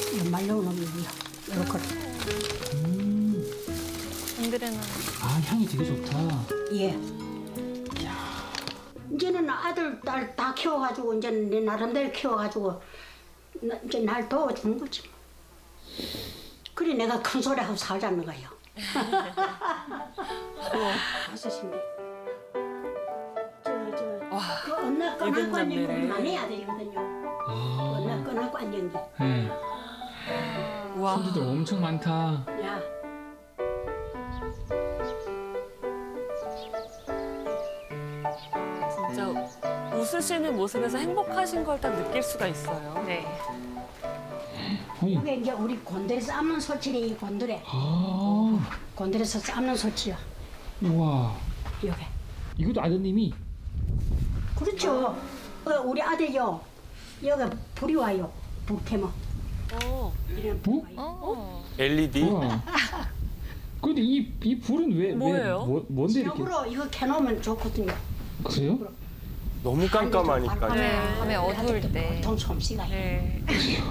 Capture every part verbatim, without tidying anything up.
말려놓은 놈이요. 이렇게. 음. 안 아, 향이 되게 좋다. 예. 이제는 아들, 딸 다 키워가지고, 이제는 내 나름대로 키워가지고, 나, 이제 날 도와주는 거지. 뭐. 그래, 내가 큰 소리 하고 살자는 거예요. 다섯인데. 저, 저, 와, 그 언나 이분 꺼나고 앉는 게 잡내네. 많이 아들이거든요. 아. 언나 꺼나고 앉는 게. 네. 와. 손주들 엄청 많다. 야, 진짜 웃으시는 모습에서 행복하신 걸 딱 느낄 수가 있어요. 네. 아니, 이게 이제 우리 곤드레 삶는 소치래, 이 곤드레. 아, 곤드레에서 삶는 소치요. 우와. 여기. 이것도 아드님이. 그렇죠. 어, 우리 아들요. 여기 불이 와요. 불 켜면. 어. 이런 뭐? 불이 와요. 엘이디? 우와. 근데 이, 이 불은 왜, 뭐예요? 왜, 뭐, 뭔데 이렇게. 지역으로 이거 켜놓으면 좋거든요. 그래요? 너무 깜깜하니까. 네. 밤에 어두울 때. 보통 솜씨가. 네.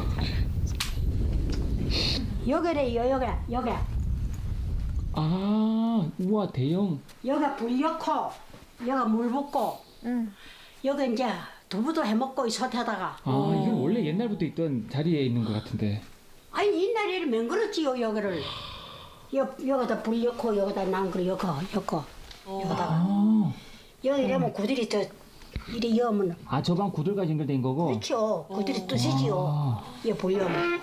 여기래요, 여기, 여기. 아, 우와, 대형. 여기 불 넣고, 여기 물 붓고, 응. 여기 이제 두부도 해먹고 이 솥에다가. 아, 이건 원래 옛날부터 있던 자리에 있는 것 같은데. 아니 옛날에는 맹그렸지요 여기를. 여, 여기다 불 넣고 여기다 난그 여기 여기 여기다가 아, 여기 이러면 구들이 더 이리 여면 아, 저 방 구들과 연결된 거고? 그렇죠. 구들이 뜨시지요. 아. 여 불 넣으면.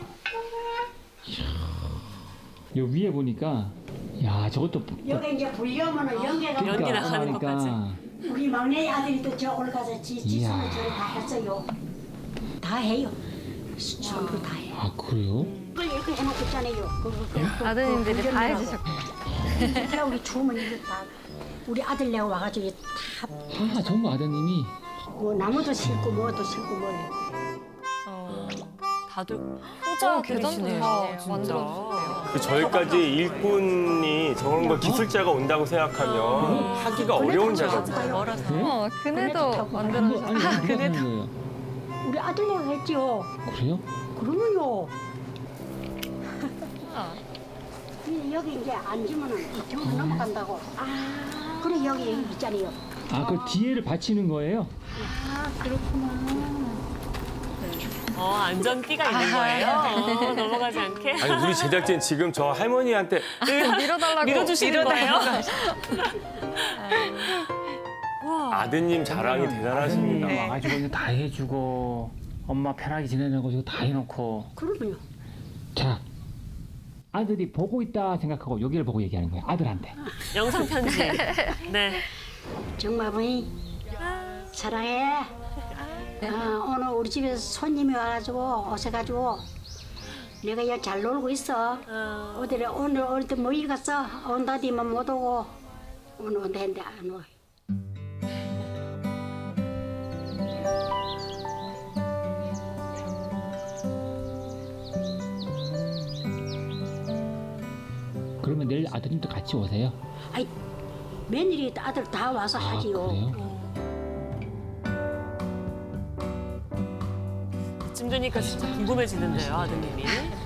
요 위에 보니까, 야, 저것도. 여기 이제 불 넣으면은 연기가 연기 그러니까 나가는 나가니까. 것까지. 우리 막내 아들이 또 저 올라가서 지 지수는 이야. 저를 다 했어요. 다 해요. 전부 다 해. 아, 그래요? 그걸 이렇게 해놓고 있잖아요. 그, 그, 그, 그, 아드님들이 그 다 운전이라고. 해주셨고. 그래 우리 주면 이거 다 우리 아들 내가 와가지고 다 아, 전부 아드님이. 뭐 나무도 심고 뭐도 심고 뭐. 어. 다들 어, 효자들이시네요. 계단도 다 진짜. 만들어주세요. 그 저희까지 일꾼이 저런 걸 기술자가 온다고 생각하면 하기가 어려운 작업이에요. 멀어서. 네? 어, 그네도 타고 만들어주셨어요. 아니, 아니, 누가 하는 거예요? 우리 아들 내가 했지요. 그래요? 그러면요. 아. 이- 여기 이제 앉으면은 이쪽으로 넘어간다고. 아. 그래 여기 여기 있잖아요. 아, 그 뒤에를 받치는 거예요? 아 그렇구나. 어, 안전띠가 있는 거예요. 어, 넘어가지 않게. 아니 우리 제작진 지금 저 할머니한테 밀어달라고. 밀어주시는 거예요. 와. 아드님 자랑이 아드님 대단하십니다. 네. 와가지고 이제 다 해주고 엄마 편하게 지내는 거 이거 다 해놓고. 그러면요. 자, 아들이 보고 있다 생각하고 여기를 보고 얘기하는 거예요. 아들한테. 영상 편지. 네. 정말 보니 사랑해. 아, 오늘 우리 집에 손님이 와가지고 오셔가지고 내가 여기 잘 놀고 있어. 어, 어디 오늘 어디 모일 갔어? 온다디만 못 오고 오늘 온다 했는데 안 와. 그러면 내일 아드님도 같이 오세요? 아이 며느리 아들 다 와서 아, 하지요. 그래요? 이쯤 되니까 진짜 궁금해지는데요, 아드님이.